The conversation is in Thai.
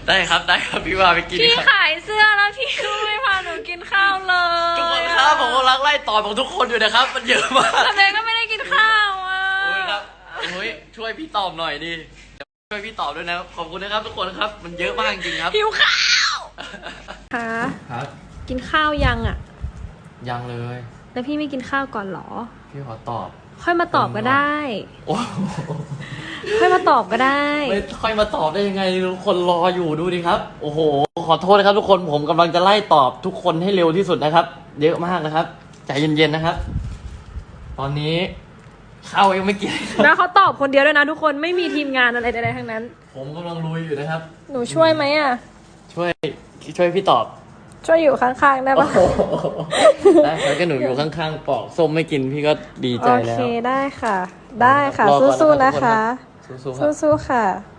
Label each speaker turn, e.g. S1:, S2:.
S1: ได้ครับได้ครับพี่ว่าไปกิน
S2: พี่
S1: ครับ
S2: ขายเสื้อแล้วพี่ก็ไม่พาหนูกินข้าวเลย
S1: ทุกคนครับผมกำลังไล่ตอบของทุกคนอยู่นะครับ มันเยอะมาก
S2: ทำไมก็ไม่ได้กินข้าวอ่ะ
S1: โอ้ยครับโอ้ยช่วยพี่ตอบหน่อยดิช่วยพี่ตอบด้วยนะขอบคุณนะครับทุกคนครับมันเยอะมากจริงๆครับ
S2: หิวข้าวคะ
S1: ครับ
S2: กินข้าวยังอ่ะ
S1: ยังเลย
S2: แล้วพี่ไม่กินข้าวก่อนเหรอ
S1: พี่ขอตอบ
S2: ค่อยมาตอบก็ได้
S1: โอ้
S2: ค่อยมาตอบก็ได้
S1: ไม่ค่อยมาตอบได้ยังไงทุกคนรออยู่ดูดิครับโอ้โหขอโทษนะครับทุกคนผมกำลังจะไล่ตอบทุกคนให้เร็วที่สุดนะครับ เยอะมากนะครับใจเย็นๆนะครับ ตอนนี้ข้าวยังไม่กินครับ
S2: แล้วเขาตอบคนเดียวด้วยนะทุกคนไม่มีทีมงานอะไรใดๆทั้งนั้น
S1: ผมกำลังลุยอยู่นะครับ
S2: หนูช่วยไหมอ่ะ
S1: ช่วยพี่ตอบ
S2: ช่วยอยู่ข้างๆได้ปะ
S1: โอ้โหได้ครับก็หนูอยู่ข้างๆปอกส้มไม่กินพี่ก็ดีใจ
S2: โอ
S1: แล้
S2: เค
S1: ว
S2: ได้ค่ะ ได้ค่ะ
S1: รอก่อน
S2: สู้ๆ
S1: นะ
S2: นะครับ คะ
S1: ทุกคนครับสู้ๆครับ
S2: สู้ๆค่ะ